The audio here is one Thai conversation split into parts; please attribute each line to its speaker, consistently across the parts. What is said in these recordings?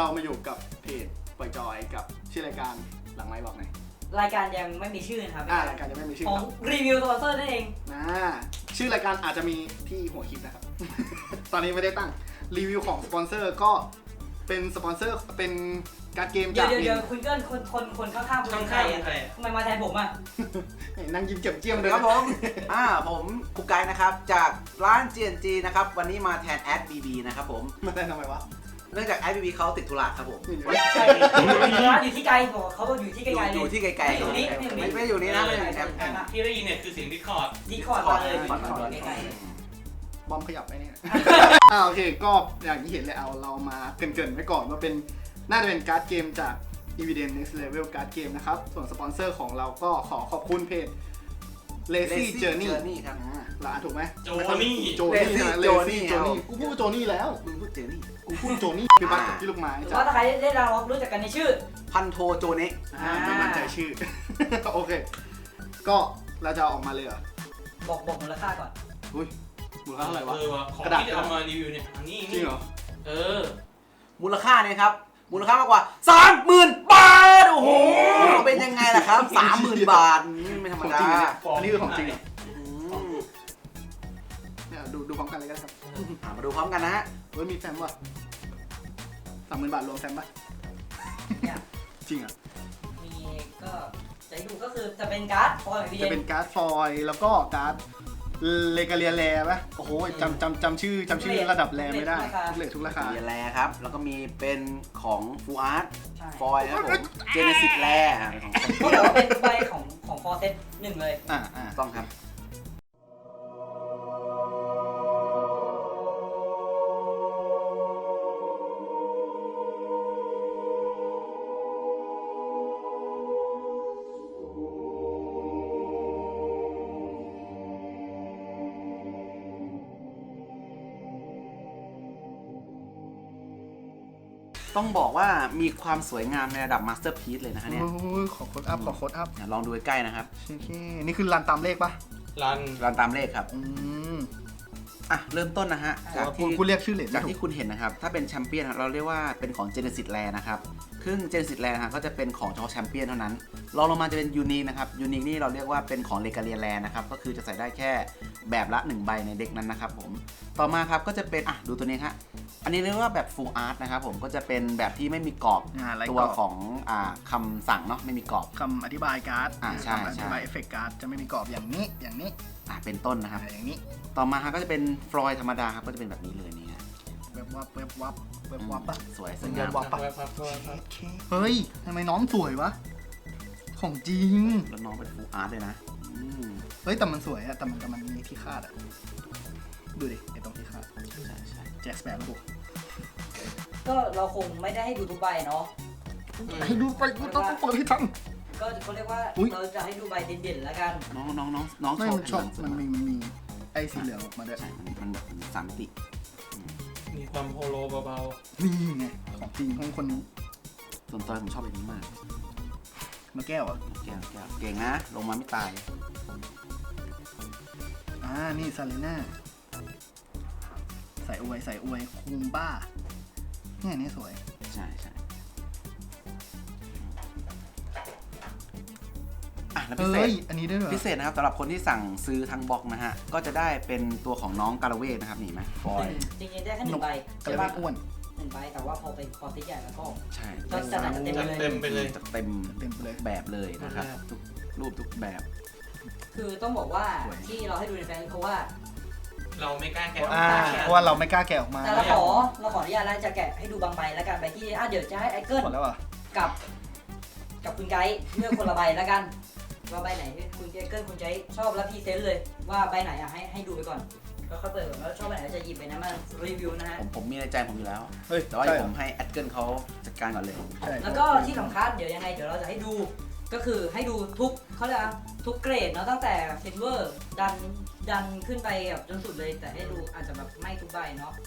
Speaker 1: เรามาอยู่กับเพจปล่อยจอยกับชื่อรายการหลังไมค์บอกหน่อย
Speaker 2: รายการยังไม่มีชื่อนะครับ
Speaker 1: รายการยังไม่มีชื่อ
Speaker 2: ของรีวิวสปอนเซอร์นั่นเอง
Speaker 1: ชื่อรายการอาจจะมีที่หัวคลิปนะครับ ตอนนี้ไม่ได้ตั้งรีวิวของสปอนเซอร์ก็เป็นสปอนเซอร์เป็นการ์ดเกมจาก
Speaker 2: เดี๋ยวคุณเกิ้ลคนข้างๆคุณเป็นใครอ่ะทำไมมาแทนผมอ่ะ
Speaker 1: นั่งยิ้มเก็บเจี้ยมเลย
Speaker 3: ครับผมผมกุ๊กไก่นะครับจากร้าน GNG นะครับวันนี้มาแทนแอด BB นะครับผม
Speaker 1: มาแทนทำไมวะ
Speaker 3: เนื่องจากแอด BB เขาติดธุระครับผม
Speaker 2: ใช่อยู่ที่ไกลบอกเขาบอกอยู่ที่ไกลๆ
Speaker 3: อยู่ที่ไกลๆ
Speaker 2: อยู่นี่
Speaker 3: ไม่อยู่นี่นะไม่อยู่ในแอป
Speaker 4: ที่ได้ยินเนี่ยคือเสียงดิสคอร์ด
Speaker 2: มาเลยใกล้
Speaker 1: บอมขยับไปเนี่ยโอเคก็อย่างที่เห็นเลยเรามาเกริ่นๆไว้ก่อนว่าเป็นน่าจะเป็นการ์ดเกมจาก Evidence Next Level การ์ดเกมนะครับส่วนสปอนเซอร์ของเราก็ขอขอบคุณเพจ Lazy Journey
Speaker 3: ครับ
Speaker 1: เราอ่านถูกไหม
Speaker 4: โจนี่
Speaker 1: Lazy Journey กูพูดโจนี่แล้ว
Speaker 3: มึงพูดเจนี่
Speaker 1: กูพูดโจนี่คือบัตรที่ลูกไม้
Speaker 2: จ้ะถ้าใครได้เรารู้จักกันในชื่อ
Speaker 3: พันโทโจเนะ
Speaker 1: ไม่มั่นใจชื่อโอเคก็เราจะออกมาเลยเหรอ
Speaker 2: บอกมูลค่าก่อน
Speaker 1: อุ้ยมูลค่าอะไรวะ
Speaker 4: ของที่จะเอามารีวิวเนี่ยนี่
Speaker 1: จริงเหรอ
Speaker 3: มูลค่าเนี่ยครับมูลค่ามากกว่า 30,000 บาทโอ้โหเป็นยังไงล่ะครับ 30,000 บาทไม่ธรรมดา
Speaker 1: อันนี้คือของจริงเนี่ยดูพร้อมกันเลยกันครับ
Speaker 3: มาดูพร้อมกันนะฮะ
Speaker 1: มีแฟมป่ะ30,000 บาทรวมแฟมป่ะจริงอ่ะ
Speaker 2: มีก็จะดูก็คือจะเป็นการ์ดฟอยล์
Speaker 1: จะเป็นการ์ดฟอยล์แล้วก็การ์ดเลกาเลียแลป่ะโอ้โหจำชื่อระดับแลไม่ได้ทุกราคา
Speaker 3: เลแลครับแล้วก็มีเป็นของฟูอาร์ตฟอยล์ครับผมเจเนซิสแล
Speaker 2: ก็แบบว่าเป็นใบของฟอร์เซต1เลย
Speaker 3: ต้องครับต้องบอกว่ามีความสวยงามในระดับมาสเตอร์พีซเลยนะฮะเนี่ย
Speaker 1: ขอโค้ดอัพ
Speaker 3: ลองดูใกล้ๆนะครับ
Speaker 1: นี่คือรันตามเลขปะ
Speaker 3: รันตามเลขครับเริ่มต้นนะฮะ
Speaker 1: จากที่คุณเรียกชื่อเหรียญ
Speaker 3: จากที่คุณเห็นนะครับถ้าเป็นแชมเปี้ยนเราเรียกว่าเป็นของเจเนซิสแลนะครับซึ่งเจเนซิสแลนะก็จะเป็นของเฉพาะแชมเปี้ยนเท่านั้นรองลงมาจะเป็นยูนิคนะครับยูนิคนี่เราเรียกว่าเป็นของเลกาเลียแลนะครับก็คือจะใส่ได้แค่แบบละ1ใบในเด็กนั้นนะครับผมต่อมาครับก็จะเป็นดูตัวนี้ครับอันนี้เรียกว่าแบบ full art นะครับผมก็จะเป็นแบบที่ไม่มีกรอบตัวของคำสั่งเนาะไม่มีกรอบ
Speaker 1: คำอธิบายการ์ด
Speaker 3: ใช่
Speaker 1: อธิบายเอฟเฟกต์การ์ดจะไม่มีกรอบอย่างนี้
Speaker 3: เป็นต้นนะครับ
Speaker 1: อย่างนี้
Speaker 3: ต่อมาครับก็จะเป็นฟลอยธรรมดาครับก็จะเป็นแบบนี้เลยนี่ฮะ
Speaker 1: เว็บวับปะ
Speaker 3: สวย
Speaker 1: สัญญาณวับปะเฮ้ยทำไมน้องสวยวะของจริง
Speaker 3: แล้วน้องเป็น full art เลยนะ
Speaker 1: เฮ้ยแต่มันสวยอะแต่มันมีที่คาดอะดูดิไอตรงที่คาด
Speaker 3: ใช่
Speaker 1: แจ็คสเปโร่
Speaker 2: ก็เราคงไม่ได้ให้ดูทุกใบเนาะ
Speaker 1: ให้ดูไปกูต้องเปิดให้ทัน
Speaker 2: ก็เขาเรียกว่าเราจะให้ดูใบเด่นๆแล้วกัน
Speaker 3: น้อง
Speaker 1: ชอบมันมีไอสีเหลืองออกมาด้วย
Speaker 3: ใช่มันแบบ3 มิติ
Speaker 4: มีความโฮโลเบา
Speaker 1: ๆนี่ไงของจริงของคนนี้
Speaker 3: ส่วนตัวผมชอบแบบนี้มาก
Speaker 1: มาแก้วอ่ะ
Speaker 3: แก้วเก่งนะลงมาไม่ตาย
Speaker 1: นี่ซาเลน่าใส่อวยคุมบ้าเนี่ยนี่สวย
Speaker 3: ใช่แล้วพิเศษ
Speaker 1: อันนี้ด้วยเหรอ
Speaker 3: พิเศษนะครับสำหรับคนที่สั่งซื้อทางบล็อกนะฮะก็จะได้เป็นตัวของน้องกาลเวทนะครับนี่ไหมฟอย
Speaker 2: จริงๆได้แค่1 ใบ
Speaker 1: กาลเวทอ้วน
Speaker 2: 1 ใบแต่ว่าพอเป็นคอร์สใหญ่แล้วก็
Speaker 3: ใช่
Speaker 2: ก็จะ
Speaker 4: เต็มไปเลย
Speaker 3: เต็มแบบเลยนะครับทุกรูปทุกแบบ
Speaker 2: คือต้องบอกว่าที่เราให้ดูในแฟนเพราะว่า
Speaker 4: เราไม่กล้าแกะ
Speaker 1: เพราะว่าเราไม่กล้าแกะออกมา
Speaker 2: แต่เราขออนุญาตแล้วจะแกะให้ดูบางใบแล้วกันใบที่เดี๋ยวจะให้ไอเกิลกับคุณไกด์เลือกคนละใบแล้วกันว่าใบไหนคุณไอเกิลคุณไกด์ชอบแล้วพรีเซนต์เลยว่าใบไหนให้ดูไปก่อนแล้วค่อยเปิดแล้วชอบใบไหนจะหยิบไปนะมารีวิวนะฮะ
Speaker 3: ผมมีในใจผมอยู่แล้วแต่ว่าผมให้ไอเกิลเขาจัดการก่อนเลย
Speaker 2: แล้วก็ที่สำคัญเดี๋ยวยังไงเดี๋ยวเราจะให้ดูก็คือให้ดูเขาเรียกทุกเกรดเนาะตั้งแต่ซิลเวอร์ดันขึ้นไปแบบจนสุดเลยแต่ให้ดูอาจจะแบบไม่ทุกใบเนาะ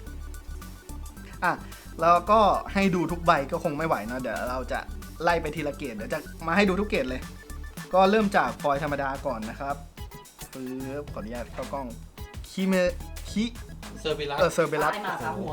Speaker 1: แล้วก็ให้ดูทุกใบก็คงไม่ไหวเนาะเดี๋ยวเราจะไล่ไปทีละเกรดเดี๋ยวจะมาให้ดูทุกเกรดเลยก็เริ่มจากฟอยล์ธรรมดาก่อนนะครับขออนุญาตเข้ากล้อง
Speaker 4: เซอร์เบลัส
Speaker 2: มาขาหัว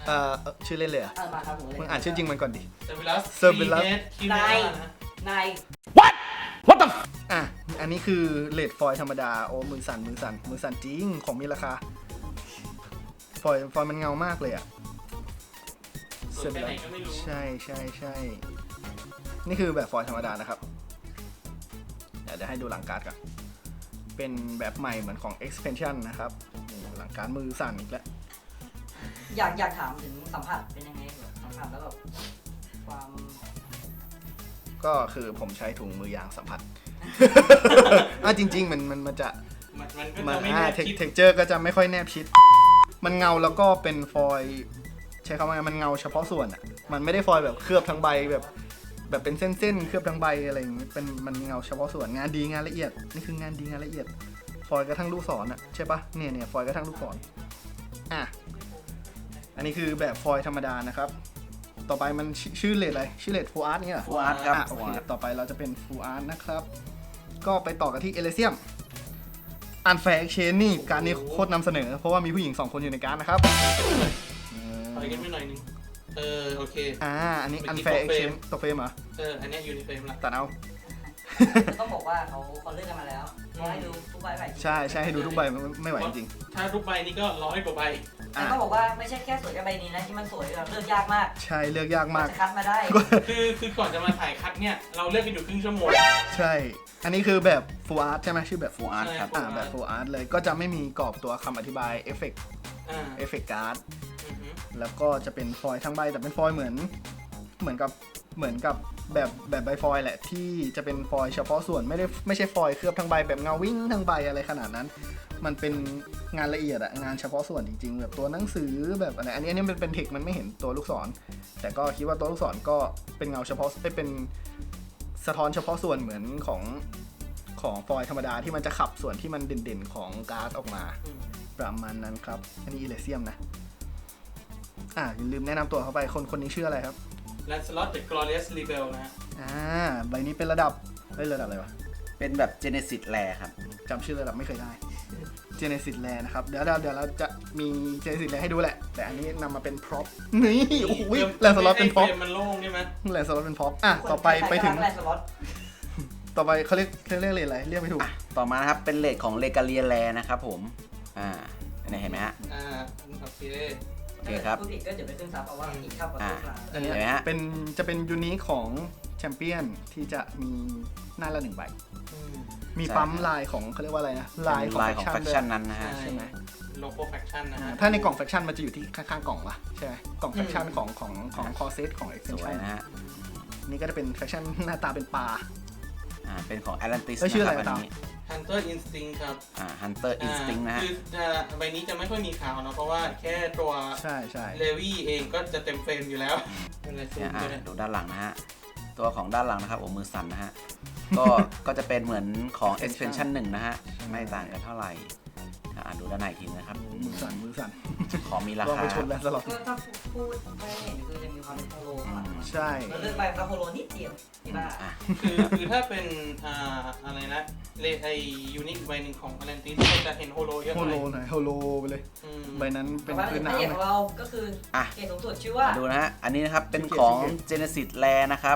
Speaker 1: ชื่อเล่นเลยอ่ะ
Speaker 2: มาครับผมเลย
Speaker 1: มึงอ่านชื่อจริงมันก่อนดิ
Speaker 4: เซอร์วิลัส
Speaker 1: Cerberus
Speaker 4: คิเมรานะ
Speaker 2: นาย
Speaker 1: อ่ะอันนี้คือเลดฟอยล์ธรรมดาโอ้มือสั่นจริงของมีราคาฟอยล์มันเงามากเลยอ่ะ
Speaker 4: ส่วนแค่ไหนก็ไม่รู้
Speaker 1: ใช่นี่คือแบบฟอยล์ธรรมดานะครับเดี๋ยวให้ดูหลังการ์ดก่อนเป็นแบบใหม่เหมือนของ expansion นะครับนี่หลังการ์ดมือสั่นอีกแล้ว
Speaker 2: อยากถามถึงสัมผัสเป็นยังไงสัมผัสแล้วแบบความ
Speaker 1: ก็คือผมใช้ถุงมือยางสัมผัส จริงๆมันจะ
Speaker 4: มันก็
Speaker 1: มัน
Speaker 4: จะไม่แน่คิด
Speaker 1: เทคเจอร์ก็จะไม่ค่อยแนบชิด มันเงาแล้วก็เป็นฟอยล์ใช้คำว่าไงมันเงาเฉพาะส่วนอ่ะมันไม่ได้ฟอยล์แบบเคลือบทั้งใบแบบเป็นเส้นๆเคลือบทั้งใบอะไรอย่างงี้เป็นมันเงาเฉพาะส่วนงานดีงานละเอียดนี่คืองานดีงานละเอียดฟอยล์กระทั่งลูกศรอ่ะใช่ปะเนี่ยฟอยล์กระทั่งลูกศรอ่ะอันนี้คือแบบฟอยล์ธรรมดานะครับต่อไปมันชื่อเลดอะไรชื่อเลดฟูอาร์ตเนี่ยเหรอ
Speaker 3: ฟูอาร์ตครับ
Speaker 1: โอเคต่อไปเราจะเป็นฟูอาร์ตนะครับก็ไปต่อกันที่เอเลเซียมอันแฟร์เชนนี่การนี้โคตรนำเสนอเพราะว่ามีผู้หญิง2คนอยู่ในการดนะครับ
Speaker 4: ถอยกันไปหน่อยนึงโอเค
Speaker 1: อันนี้อันแฟร์เชนตกเฟรมเหรอ
Speaker 4: อันเนี้ยอยู่ในเฟรมละ
Speaker 1: ตัดเอา
Speaker 2: ต้องบอกว่าเขาเลือกกันมาแล้วให้ดูทุกใบไป
Speaker 1: ใช่ให้ดูทุกใบไม่ไหวจริง
Speaker 4: ถ้าทุกใบนี่ก็100 กว่าใบ
Speaker 2: แต่ต้องบอกว่าไม่ใช่แค่สวยแค่ใบนี้นะที่มันสวยแบบเลือกยากมาก
Speaker 1: ใช่เลือกยากมาก
Speaker 2: จะคัดมาได้
Speaker 4: คือก่อนจะมาถ่ายคัดเนี่ยเราเลือกกันอยู่ครึ่งชั่วโมง
Speaker 1: ใช่ อันนี้คือแบบฟูอาร์ตใช่ไหมชื่อแบบ
Speaker 3: ฟูอาร์ตครับ
Speaker 1: แบบฟูอาร์ตเลยก็จะไม่มีกรอบตัวคำอธิบายเอฟเฟกการ์ด
Speaker 4: อือฮึ
Speaker 1: แล้วก็จะเป็นฟอยล์ทั้งใบแต่เป็นฟอยล์เหมือนกับแบบใบฟอยล์แหละที่จะเป็นฟอยล์เฉพาะส่วนไม่ใช่ฟอยล์เคลือบทั้งใบแบบเงาวิ่งทั้งใบอะไรขนาดนั้น มันเป็นงานละเอียดอะงานเฉพาะส่วนจริงๆแบบตัวหนังสือแบบอะไรอันนี้มันเป็นเทคมันไม่เห็นตัวลูกศรแต่ก็คิดว่าตัวลูกศรก็เป็นเงาเฉพาะเป็นสะท้อนเฉพาะส่วนเหมือนของฟอยล์ธรรมดาที่มันจะขับส่วนที่มันเด่นๆของการ์ดออกมาประมาณนั้นครับอันนี้อิเลเซียมนะอย่าลืมแนะนำตัวเข้าไปคนนี้ชื่ออะไรครับ
Speaker 4: แลนสล็อตเดอะกลอเรียสรีเบลนะ
Speaker 1: ใบนี้เป็นระดับอะไรวะ
Speaker 3: เป็นแบบเจเนซิสแลครับ
Speaker 1: จำชื่อระดับไม่เคยได้เจเนซิสแลนะครับเดี๋ยวเราจะมีเจเนซิสแลให้ดูแหละแต่อันนี้นำมาเป็นพร็อพนี่โอ้โหแลนสล็อตเป็นพร็อพ
Speaker 4: มันโล่งใช่ไหม
Speaker 1: แลนสล็อตเป็นพร็อพต่อไปถึง
Speaker 2: แลนสล็อต
Speaker 1: ต่อไปเขาเรียกอะไรเรียกไม่ถูก
Speaker 3: ต่อมานะครับเป็นเลทของเลกาเลียแลนะครับผมอันนี้เห็นไหมฮะ
Speaker 4: โอเค
Speaker 3: โอเคครับ
Speaker 2: ผู้ผิดก็เดี๋ยวไปขึ้นซับเอาว่าอีกข้าวกับตัวกลาง
Speaker 1: อันนี้
Speaker 3: เห็นไหมฮะ
Speaker 1: จะเป็นยูนิคของแชมเปี้ยนที่จะมีหน้าละ1 ใบ มีปั๊มลายของเขาเรียกว่าอะไรนะลายของ
Speaker 3: ลายของ
Speaker 1: แฟ
Speaker 3: แฟ
Speaker 1: ค
Speaker 3: ค
Speaker 1: ชั่
Speaker 3: ชั่
Speaker 1: น
Speaker 3: นนั้นนะฮะ
Speaker 4: ใช่ไหมโลโก้แฟคชั่นนะฮะ
Speaker 1: ถ้าในกล่องแฟคชั่นมันจะอยู่ที่ข้างๆกล่องวะใช่ไหมกล่องแฟคชั่นของคอเซตของ
Speaker 3: สวย
Speaker 1: extension
Speaker 3: นะฮะ
Speaker 1: นี่ก็จะเป็นแฟคชั่นหน้าตาเป็นปลา
Speaker 3: เป็นของ Atlantis
Speaker 1: เอ้ยชื่อ
Speaker 3: นะ
Speaker 1: อะ
Speaker 3: ค
Speaker 1: ไร
Speaker 3: รับ
Speaker 1: ตาม
Speaker 3: อันนี้
Speaker 4: Hunter Instinct ครับ
Speaker 3: Hunter Instinct นะฮะ
Speaker 4: คือใบนี้จะไม่ค่อยมีข่าวเนอะเพราะว่าแค่ตัว
Speaker 1: ใช่
Speaker 4: เลวี่เองก็จะเต็มเฟรมอยู่แล้วเป็นอะไรซูม
Speaker 3: เนี่ย
Speaker 4: ตัวเนี่ย
Speaker 3: ดูด้านหลังนะฮะ ตัวของด้านหลังนะครับโอ้มือสั่นนะฮะ ก็จะเป็นเหมือนของ expansion 1 นะฮะ ไม่ต่างกันเท่าไหร่ดูด้านในอีกทีนะครับ
Speaker 1: มือสั่น
Speaker 3: ของมีรา
Speaker 1: ลอง
Speaker 3: คา
Speaker 1: ไปชนแล้วสลอด
Speaker 2: ก็ถ้าพูดไม่เห็นคือยังมีความเป็นโฮโลข้างหลัง
Speaker 1: ใช่
Speaker 2: เราเลือกไปกับโฮโลนิดเดียวที่บ้า
Speaker 4: คือถ้าเป็นอะไรนะไอยูนิคใบหนึ่งของอ l ลนติสก็จะเห็นโฮโลเยอะห
Speaker 1: โฮ
Speaker 4: น่
Speaker 1: โล
Speaker 4: อย
Speaker 1: หน่อยโฮโลไปเลย ใบนั้นเป็น
Speaker 2: แต่ว่า
Speaker 1: พื้น
Speaker 2: พระเอก
Speaker 1: น้ำ
Speaker 2: ของเราก็คือเกรดสูงสุดชื่อว่า
Speaker 3: มาดูนะฮะ อันนี้นะครับ เป็นของ Genesis Lair นะครับ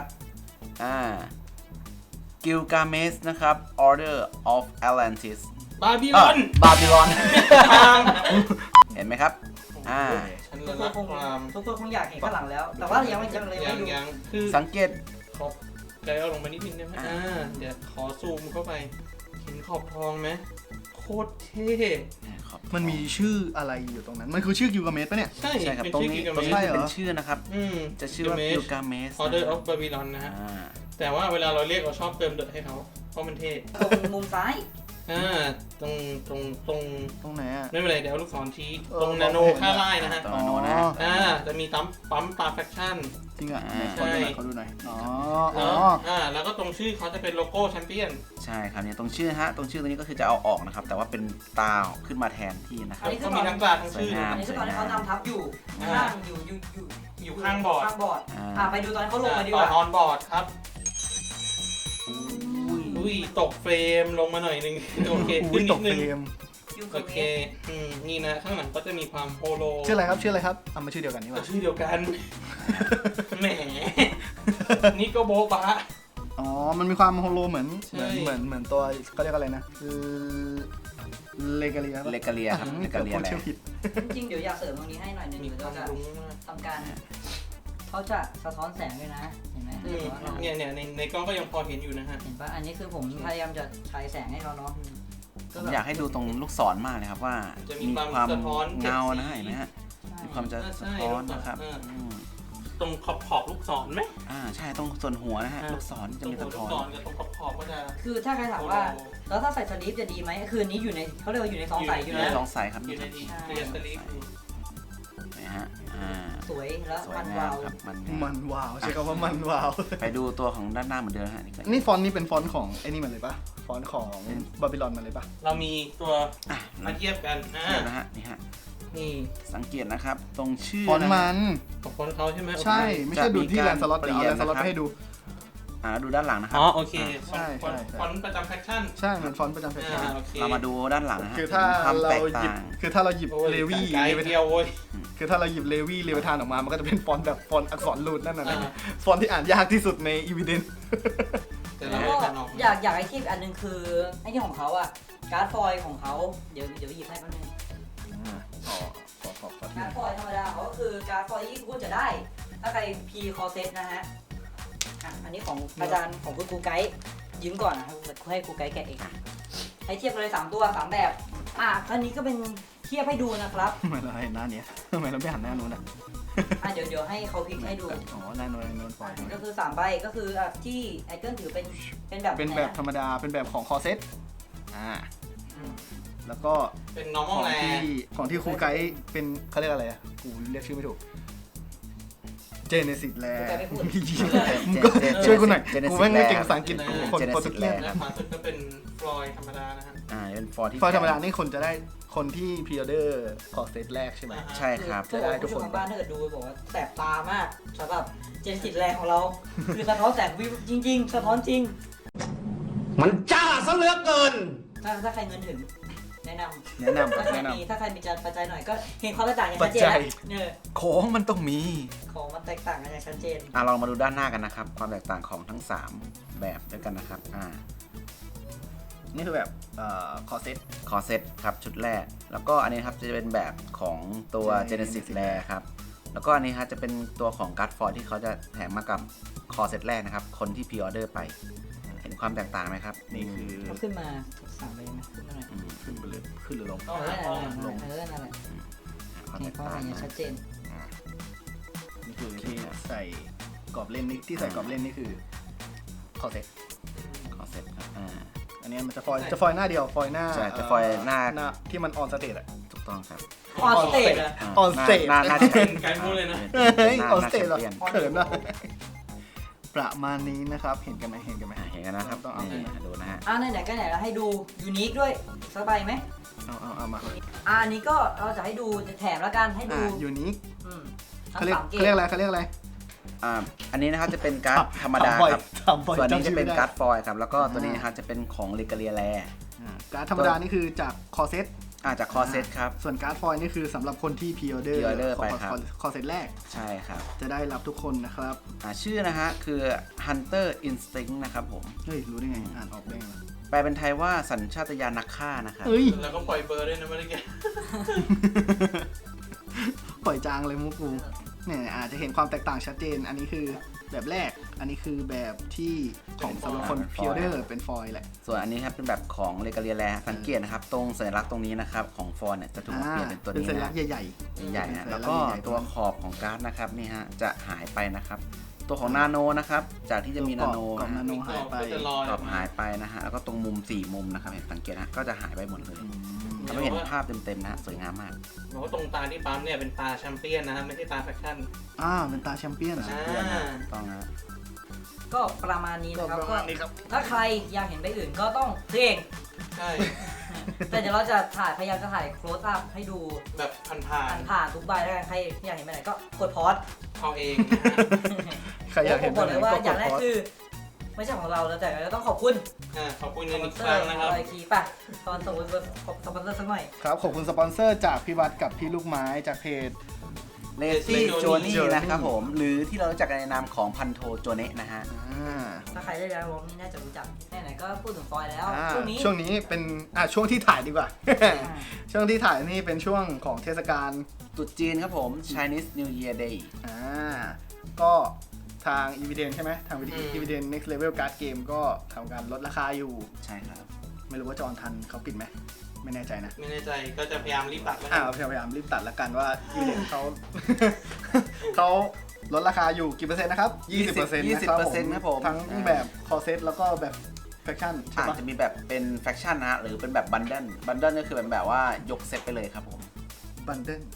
Speaker 3: Gilgamesh นะครับ Order of Atlantis
Speaker 4: บาบิลอน
Speaker 3: บาบิลอน เห็นไหมครับ
Speaker 4: ฉัน
Speaker 2: ทุ
Speaker 4: ละ
Speaker 2: กค
Speaker 4: รั
Speaker 2: น
Speaker 4: กความ
Speaker 2: คงอยากเห็นข้างหลังแล้ว แต่ว่ายังไม่ดู
Speaker 4: ยังคือ
Speaker 3: สังเกต
Speaker 4: ขอบใจเอาลงมานิดนึงได้ไหมเดี๋ยวขอซูมเข้าไปเห็นขอบทองไหมโคตรเท่
Speaker 1: มันมีชื่ออะไรอยู่ตรงนั้น มันคือชื่อกิลกาเมสปะเนี่ย
Speaker 4: ใช่
Speaker 3: ใช่ครับ
Speaker 4: เป็น
Speaker 3: ตรง
Speaker 4: ชื่อ
Speaker 3: นี้
Speaker 4: กิล
Speaker 3: ตรง
Speaker 4: เม
Speaker 3: นี้
Speaker 4: ช
Speaker 3: จะเป็นชื่อนะครับ จะชื่อว่า Gilgamesh
Speaker 4: Order of Babylon นะฮะ แต่ว่าเวลาเราเรียกเราชอบเติมเดอะให้เขาเพราะมันเท่
Speaker 2: ตรงมุมซ้าย
Speaker 4: ตรง
Speaker 1: ตรงไหนอ่ะ
Speaker 4: ไม่เป็นไรเดี๋ยวเอาลูกศรชี้ตรงนาโนค่าไล่นะฮะ
Speaker 3: ตรงนาโนนะ
Speaker 4: จะมีปั๊มตาแฟคชั่น
Speaker 1: จริงอ่ะ
Speaker 4: ใช่
Speaker 1: ขอดูหน่อย
Speaker 4: แล้วก็ตรงชื่อเขาจะเป็นโลโก้แชมเปี้ยน
Speaker 3: ใช่ครับเนี่ยตรงชื่อฮะ ตรงชื่อตัวนี้ก็คือจะเอาออกนะครับ แต่ว่าเป็นตาขึ้นมาแทนที่นะครับ
Speaker 4: ก็มีทั้งตาทั้งชื่อ
Speaker 3: สวยงาม
Speaker 2: อันนี้คือตอนที่เขานำทับอยู่ข้างอยู่ข้างบอร์ดไปดูตอนเขาลงมาดีก
Speaker 4: ตอ
Speaker 2: ว่าน
Speaker 4: ออนบอร์ดครับอุ้ยตกเฟรมลงมาหน่อยนึงโอเคขึ้นนิ
Speaker 1: ต
Speaker 4: ด
Speaker 1: ก
Speaker 4: นึ
Speaker 1: เฟ
Speaker 4: ง
Speaker 1: รม
Speaker 2: ยูโค
Speaker 4: โอเค
Speaker 2: เมะ
Speaker 4: นี่นะข้างหลังก็จะมีความโฮโล
Speaker 1: ชื่ออะไรครับชื่ออะไรครับเอามาชื่อเดียวกันนี่ห
Speaker 4: ก็
Speaker 1: ว่า
Speaker 4: ชื่อเดียวกัน แหม นี่ก็โบ๊ะบะ
Speaker 1: อ๋อมันมีความโฮโลเหมือน
Speaker 4: ใช่
Speaker 1: เหมือนตัวเขาเรียกอะไรนะเลกาเลีย
Speaker 3: เลกาเลียครับเลกาเลียแล
Speaker 1: ชื่อผิด
Speaker 2: จริงๆเดี๋ยวอยากเสริมตรงนี้ให้หน่อยหนึง
Speaker 4: มี
Speaker 2: เดี๋ยว
Speaker 4: ควา
Speaker 2: เรา
Speaker 4: ม
Speaker 2: จะ
Speaker 4: รุ้งมาก
Speaker 2: ทำการเขาจะสะท้อนแสงด้วยนะเห็นไหม
Speaker 4: เนี่ยในกล้องก็ยังพอเห็นอยู่นะฮะ
Speaker 2: เห็นปะอันนี้คือผมพยายามจะฉายแสงให้เขาเนาะ
Speaker 3: ผมอยากให้ดูตรงลูกศรมากเลยครับว่า
Speaker 4: จะมี
Speaker 3: มี
Speaker 4: ความ
Speaker 3: ความ
Speaker 4: สะท้อน
Speaker 3: เงา
Speaker 4: เจ็ดสี
Speaker 3: นะเห็นไหมฮะมีความจะ
Speaker 4: ใช่
Speaker 3: สะท้อนนะครับ
Speaker 4: เออ
Speaker 3: อืม
Speaker 4: ตรงขอบลูกศรไหม
Speaker 3: ใช่ตรงส่วนหัวนะฮะลูกศร
Speaker 4: ต
Speaker 3: จะ
Speaker 4: รง
Speaker 3: มี
Speaker 4: หั
Speaker 3: สะ
Speaker 4: วลู
Speaker 3: ท้
Speaker 4: ก
Speaker 3: อน
Speaker 4: ศรกับตรงขอบก็จะ
Speaker 2: คือถ้าใครถามว่าแล้วถ้าใส่สลีปจะดีไหมคืออันนี้อยู่ในเขาเรียกว่าอยู่ในซองใสอยู่
Speaker 3: มี
Speaker 2: นะ
Speaker 3: สองสายครับ
Speaker 4: อยู่ในดีเรียนสลิป
Speaker 3: นะฮะ
Speaker 2: สวยแล้ว
Speaker 3: สวย
Speaker 2: มัน
Speaker 3: งาม
Speaker 2: วาว
Speaker 3: ครับมัน
Speaker 1: มันว้าวใช้คำว่ามันว้าว
Speaker 3: ไปดูตัวของด้านหน้าเหมือนเดิมฮะ
Speaker 1: นี่ฟอนต์นี่เป็นฟอนต์ของไอ้นี่มันเลยปะฟอนต์ของบาบิลอนมันเลยปะ
Speaker 4: เรามีตัว
Speaker 3: อ่ะ
Speaker 4: มาเทียบกัน
Speaker 3: เทียบนะฮะนี่ฮะ
Speaker 4: นี่
Speaker 3: สังเกตนะครับตรงชื่อ
Speaker 1: ฟอนต์
Speaker 3: นะ
Speaker 1: มั
Speaker 3: ฮะ
Speaker 1: น
Speaker 4: ของคนเขาใช่ไหม
Speaker 1: ใช่ไม่ใช่ดูที่แลนด์สล็อตเดี๋ยวเอาแลนด์สล็อตไปให้ดู
Speaker 3: ดูด้านหลังนะครั
Speaker 4: อ๋อโอเค
Speaker 1: ใช่ใช่ใช่
Speaker 4: ฟอนต์ประจำแฟคชั่น
Speaker 1: ใช่เหมือนฟอนต์ประจำแฟชั่น
Speaker 4: โอเค
Speaker 3: เรามาดูด้านหลังนะฮะ
Speaker 1: คือถ้า
Speaker 3: ความ
Speaker 1: เรา
Speaker 3: แตก
Speaker 1: หยิบ
Speaker 3: ต่าง
Speaker 1: คือถ้าเราหยิบ
Speaker 4: โอ้ย
Speaker 1: เลวี่
Speaker 4: ไกด์เดียวโว้ย
Speaker 1: คือถ้าเราหยิบเลวี่เลเวทานออกมามันก็จะเป็นฟอนต์แบบฟอนต์อักษรรูดนั่นน่ะนะ
Speaker 4: อ่า
Speaker 1: ฟอนต์ที่อ่านยากที่สุดในอีวิเดน
Speaker 4: แต่
Speaker 2: แล้
Speaker 4: เรา
Speaker 2: วก็
Speaker 4: ไม่ทันออก
Speaker 2: อยากให้ทีบอันหนึงคือไอ้ที่ของเขาอะการ์ดฟอยล์ของเขาเดี๋ยวหยิบให้แป๊บนึง
Speaker 1: ขอ
Speaker 2: การ์ดฟอยล์ธรรมดาเขาก็คือการ์ดฟอยล์ที่คุณจะได้ ถ้าใครพีคอเซตนะฮะอันนี้ของอาจารย์ของคุณครูไกด์ยืมก่อนนะครับให้ครูไกด์แกะเองให้เทียบกันเลย3ตัว3แบบอันนี้ก็เป็นเทียบให้ดูนะครับ
Speaker 1: ทำไมเราเห็นหน้าเนี้ยทำไมเราไม่หันหน้านู้นอ่ะ
Speaker 2: เดี๋ยวให้เขาพลิกให้ดู
Speaker 1: อ๋อหน้านู้นฟอยล์
Speaker 2: ก็คือ3ใบก็คือที่ไอเกิลถือเป็นแบบ
Speaker 1: เป็นแบบธรรมดาเป็นแบบของคอเซตแล้วก็
Speaker 4: เป็น
Speaker 1: ข
Speaker 4: normal
Speaker 1: อง
Speaker 4: แล
Speaker 1: ที่ครูไกด์เป็นเขาเรียกอะไรอ่ะกูเรียกชื่อไม่ถูกเจเนซิสแลมึงก็ช่วยกูหน่อยกูไม่เก่งภาษาอังกฤษกูคนโปรตุเกส
Speaker 4: และขวาสุดก็เป็นฟลอยธรรมดานะฮะ
Speaker 3: เป็นฟอร์ที่
Speaker 1: ฟอยล์ธรรมดานี่คนจะได้คนที่พรีออเดอร์คอเซตแรกใช่ไหม
Speaker 3: ใช่ครับ
Speaker 2: จะได้ทุกคนทางบ้านถ้าเกิดดูบอกว่าแสบตามากสำหรับเจนสิตแรงของเรา คือสะท้อนแสงวิวจริง ๆ สะท้อนจริง
Speaker 5: มันจ้าซะเหลือเกิน
Speaker 2: ถ้าใครเงินถึงแนะนำ
Speaker 1: แนะนำ
Speaker 2: ถ้าใคร
Speaker 1: แนะน
Speaker 2: มีถ้าใครมีจานปัจจัยหน่อยก็เห็นความแตกต่างอย่าง
Speaker 1: ำปั
Speaker 2: ชั
Speaker 1: จ
Speaker 2: ดเจน
Speaker 1: จั
Speaker 2: แล้
Speaker 1: ยว
Speaker 2: เนี่ย
Speaker 3: ของมันต้องมี
Speaker 2: ของมันแตกต่างกันอย่างชัดเจน
Speaker 3: เรามาดูด้านหน้ากันนะครับ ความแตกต่างของทั้ง 3 แบบด้วยกันนะครับ
Speaker 1: นี่คือแบบคอเซต
Speaker 3: คอเซตครับชุดแรก แล้วก็อันนี้ครับจะเป็นแบบของตัว Genesis l a ครับแล้วก็อันนี้ครับจะเป็นตัวของ Guard f o r ที่เขาจะแถมมากับคอเซตแรกนะครับคนที่พรีออเดอร์ไป เห็นความแตกต่างไหมครับ
Speaker 1: นี่คือ
Speaker 2: เอาขึ้นมา3เลยไหมขึ้นมาหน่อย
Speaker 1: ขึ้นไปเลยขึ้นหรือลง
Speaker 4: ต้องหา
Speaker 2: นั่นแหละ
Speaker 3: ความ
Speaker 2: เห็
Speaker 3: แต
Speaker 2: น
Speaker 3: ก
Speaker 2: ความ
Speaker 3: ต่าง
Speaker 2: อย่างชัดเจน
Speaker 1: นี่คือที่ใส่กรอบเล่นนี่ที่ใส่กรอบเล่นนี่คือคอเซต
Speaker 3: คอเซตครับ
Speaker 1: อันนี้มันจะฟอยล์หน้าเดียวฟอยล์หน้า
Speaker 3: ใช่จะฟอยล์หน้า
Speaker 1: ที่มันออนสเตทอะ
Speaker 3: ถูกต้องครับ
Speaker 2: ออนสเตจอะ
Speaker 1: ออนสเตจ
Speaker 3: หน้า
Speaker 4: เป็นไกด์มูเลยนะ
Speaker 1: เฮ้ย
Speaker 3: หน้า
Speaker 1: ออนสเตทเหรอ
Speaker 3: แชมปี้ยน
Speaker 1: เขินนะประมาณนี้นะครับเห็นกันไหม
Speaker 3: เห็นกันนะครับ
Speaker 1: ต้องเอา
Speaker 3: นี่ดูนะฮะ
Speaker 2: ไหนๆก็ไหนแล้วให้ดูยูนิคด้วยสบายไหม
Speaker 1: เอามา
Speaker 2: อันนี้ก็เราจะให้ดูแถมแล้วกันให้ดู
Speaker 1: ยูนิค
Speaker 2: ทั้
Speaker 1: เขา
Speaker 2: ง
Speaker 1: เรียก
Speaker 2: สามเก
Speaker 1: เขาเรียก
Speaker 2: ม
Speaker 1: อะไรเขาเรียกอะไร
Speaker 3: อันนี้นะครับจะเป็นการ์ดธรรมดาครับ
Speaker 1: ทำบ่อย
Speaker 3: ส่วนนี้
Speaker 1: ำ
Speaker 3: จะ
Speaker 1: ชื่อ
Speaker 3: เป็น
Speaker 1: ไม่ได้
Speaker 3: การ์ดฟอยล์ครับแล้วก็ตัวนี้นะครับจะเป็นของเลกาเลียแล
Speaker 1: การ์ดธรรมดานี่คือจากคอเซต
Speaker 3: จากคอเซตครับ
Speaker 1: ส่วนการ์ดฟอยล์นี่คือสำหรับคนที่พรีออเดอร์
Speaker 3: pre-order ไปครับ
Speaker 1: คอเซตแรก
Speaker 3: ใช่ครับ
Speaker 1: จะได้รับทุกคนนะครับ
Speaker 3: ชื่อนะฮะคือ Hunter Instinct นะครับผม
Speaker 1: เฮ้ยรู้ได้ไงอ่านออกได้ไงวะ
Speaker 3: แปลเป็นไทยว่าสัญชาตญาณนักฆ่านะครับ
Speaker 1: เฮ้ย
Speaker 4: แล้วก็ปล่อยเบอร์ด้วยนะเมื่อกี้
Speaker 1: ปล่อยจางเลยมุกกูเนี่ยอาจจะเห็นความแตกต่างชัดเจน อันนี้คือแบบแรก อันนี้คือแบบที่ของสำหรับคนพรีออเดอร์เป็นฟอยล์แหละ
Speaker 3: ส่วนอันนี้ครับเป็นแบบของเลกาเลียแลสังเกตนะครับตรงสัญลักษณ์ตรงนี้นะครับของฟอนเนี่ยจะถูกเปลี่ยนเป็นตัว
Speaker 1: เป็น
Speaker 3: นี้
Speaker 1: สัญลั
Speaker 3: นะ
Speaker 1: กษณ์ใหญ่
Speaker 3: ใหญ่ๆนะ
Speaker 1: เป็นสัญลั
Speaker 3: แล้
Speaker 1: ก
Speaker 3: ว
Speaker 1: ษณ์
Speaker 3: ก็
Speaker 1: ใหญ่ๆ
Speaker 3: ตัวขอบของการ์ดนะครับนี่ฮะจะหายไปนะครับ ตัวของนาโนนะครับจากที่จะมีนาโน
Speaker 1: กรอบนาโนหายไป
Speaker 4: ก็จะลอย
Speaker 3: กรอบหายไปนะฮะแล้วก็ตรงมุม4มุมนะครับเห็นสังเกตนะก็จะหายไปหมดเลยทำให้เห็นภาพเต็มๆนะฮะสวยงามมาก
Speaker 4: บอกว่าตรงตาที่ปั๊มเนี่ยเป็นตาแชมเปี้ยนนะฮะไม่ใช่ตาแฟคชั่น
Speaker 1: เป็นตาแชมเปี้ยน
Speaker 4: ใช่
Speaker 3: เพื่อนนะต้องนะ
Speaker 2: ก็ประมาณนี้
Speaker 1: ก็
Speaker 2: นะครับ
Speaker 1: ประ
Speaker 2: ก็
Speaker 1: มาณนี้ครับ
Speaker 2: ถ้าใครอยากเห็นใบอื่นก็ต้องซื้อเอง
Speaker 4: ใช่
Speaker 2: แต่เดี๋ยวเราจะพยายามจะถ่ายโคลสอัพให้ดู
Speaker 4: แบบผ่าน
Speaker 2: ผ่านทุกใบแล้วกันใครอยากเห็นใบไหนก็กดพอส
Speaker 4: ๆเอาเองนะฮะ
Speaker 1: ใครอยากเห็น
Speaker 2: บอกเลยว่า
Speaker 1: ก็
Speaker 2: อย่างแรก
Speaker 1: พอ
Speaker 2: คือไม่ใช่ของเราแล้วแต่เราต้องขอบคุณ
Speaker 4: ขอบคุณ
Speaker 2: ส
Speaker 4: เงิน
Speaker 2: ปอ
Speaker 4: อี
Speaker 2: น
Speaker 4: ก
Speaker 2: เซ
Speaker 4: ค
Speaker 2: อ
Speaker 4: รั้ง
Speaker 2: ร์
Speaker 4: นะครับ
Speaker 2: อะไรคีป่ะตอนสมมติสปอนเซอร์สักหน่อย
Speaker 1: ครับขอบคุณสปอนเซอร์จากพี่วัดกับพี่ลูกไม้จากเพจ
Speaker 3: เลซี่
Speaker 4: Lazy
Speaker 3: โจนี่
Speaker 1: Johnny
Speaker 3: นะครับผม หรือที่เรารู้จักกันในนามของพันโทโจเนะนะฮะ
Speaker 2: ถ้าใครได้แล้ววงนี่น่าจะรู้จักไหนๆก็พูดถึงฟอยแล้ว ช่วงนี้
Speaker 1: ช่วงนี้เป็นช่วงที่ถ่ายดีกว่า ช่วงที่ถ่ายนี่เป็นช่วงของเทศกาล
Speaker 3: ตรุษจีนครับผม Chinese New Year Day
Speaker 1: ก็ทาง Evidence ใช่ไหมทาง Evidence Next Level Card Game ก็ทำการลดราคาอยู่
Speaker 3: ใช่ครับ
Speaker 1: ไม่รู้ว่าจอห์นทันเขาปิดไหมไม่แน่ใจนะ
Speaker 4: ไม่แน่ใจก็จะพยายามรีบตัดแล้ว
Speaker 1: พยายามรีบตัดแล้วกันว่า Evidence เขา เขาลดราคาอยู่กี่เปอร์เซ็นต์นะครับ 20%
Speaker 3: 20% ครับผม
Speaker 1: ทั้งแบบคอเซตแล้วก็แบบแฟคชั่นใช่ปะ
Speaker 3: จะมีแบบเป็นแฟคชั่นนะฮะ หรือเป็นแบบบันเดิลก็คือแบบว่ายกเซตไปเลยครับผม
Speaker 1: บันเดิล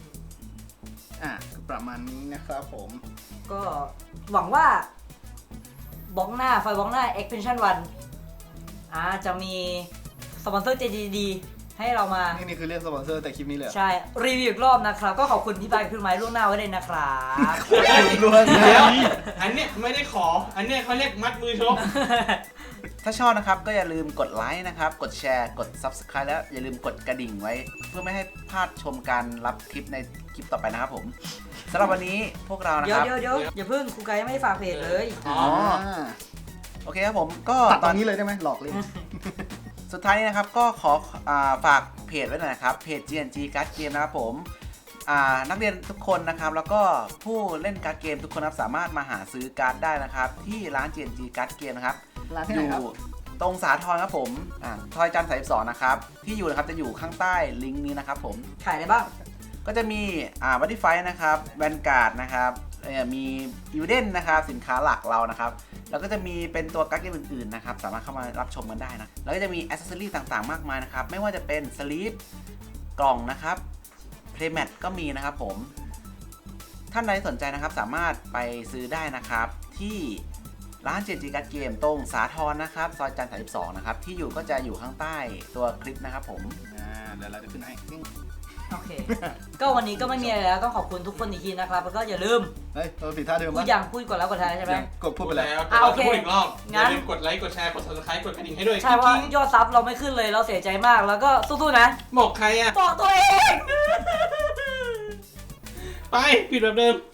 Speaker 1: ประมาณนี้นะครับผม
Speaker 2: ก็หวังว่าบล็อกหน้าไฟบล็อกหน้า Expansion 1จะมีสปอนเซอร์ใจดีๆให้เรามา
Speaker 1: นี่คือเรื่องสปอนเซอร์แต่คลิปนี้เลยเหรอ
Speaker 2: ใช่รีวิวอีกรอบนะครับ ก็ขอบคุณพี่บายพี่ไม้ล่วงหน้าไว้เลยนะครับ
Speaker 1: ล้วน
Speaker 4: เดี๋ยวอันเนี้ยไม่ได้ขอ อันเนี้ยเขาเรียกมัดมือชก
Speaker 3: ถ้าชอบนะครับก็อย่าลืมกดไลค์นะครับ กดแชร์ กด Subscribe แล้วอย่าลืมกดกระดิ่งไว้ เพื่อไม่ให้พลาดชมการรับคลิปในคลิปต่อไปนะครับผมสำหรับวันนี้พวกเรานะ
Speaker 2: เดี๋
Speaker 3: ค
Speaker 2: ยว
Speaker 3: รับ
Speaker 2: เดี๋ยวอย่าเพิ่งครูไกด์ยังไม่ได้ฝากเพจเลย
Speaker 4: อ๋อ
Speaker 3: โอเคครับผมก็
Speaker 1: ตัดตอนนี้เลยได้ไหมหลอกเลย
Speaker 3: สุดท้ายนี้นะครับก็ขอฝากเพจไว้หน่อยนะครับเพจ GNG Card Game นะครับผมนักเรียนทุกคนนะครับแล้วก็ผู้เล่นการ์ดเกมทุกคนนะครับสามารถมาหาซื้อการ์ดได้นะครับที่ร้าน GNG Card Game นะครับ
Speaker 1: ร้านที่
Speaker 3: อ
Speaker 1: ไหน
Speaker 3: ยู่
Speaker 1: ครับ
Speaker 3: ตรงสาทรครับผมทอยจันทร์32นะครับที่อยู่นะครับจะอยู่ข้างใต้ลิงก์นี้นะครับผม
Speaker 2: ขายอะไรบ้าง
Speaker 3: ก็จะมีวัตติไฟนะครับแวนการ์ดนะครับมียูเดนนะครับสินค้าหลักเรานะครับแล้วก็จะมีเป็นตัวการ์ดเกมอื่นๆนะครับสามารถเข้ามารับชมกันได้นะแล้วก็จะมีแอ c เซสซอรี่ต่างๆมากมายนะครับไม่ว่าจะเป็นสลีปกล่องนะครับเพลย์แมทก็มีนะครับผมท่านใดสนใจนะครับสามารถไปซื้อได้นะครับที่ร้าน GNG Card Game ตรงสาทรนะครับซอยจันทร์32นะครับที่อยู่ก็จะอยู่ข้างใต้ตัวคลิปนะครับผม
Speaker 1: เดี๋ยวเราจะขึ้นให้
Speaker 2: โอเค ก็วันนี้ก็ไม่มีอะไรแล้วต้องขอบคุณทุกคนอีกทีนะครับแล้วก็อย่าลืม
Speaker 1: เฮ้ยเราผิดท่าเดิม
Speaker 2: พูดยังพูดก่อนแล้วก่อนท้ายใช่ไหม
Speaker 1: กดพูดไปแล้ว
Speaker 2: โอเค
Speaker 4: พูดอีกรอบอ
Speaker 2: งั้น
Speaker 4: ย่าลืมกดไลค์ กดแชร์ กด subscribe กดกระดิ่งให้ด้วย
Speaker 2: ใช่ว่า
Speaker 4: กิ๊ง
Speaker 2: ยอดซับเราไม่ขึ้นเลยเราเสียใจมากแล้วก็สู้ๆนะ
Speaker 4: บอกใครอ่ะ
Speaker 2: บอกตัวเอง
Speaker 4: ไป ปิดแบบเดิม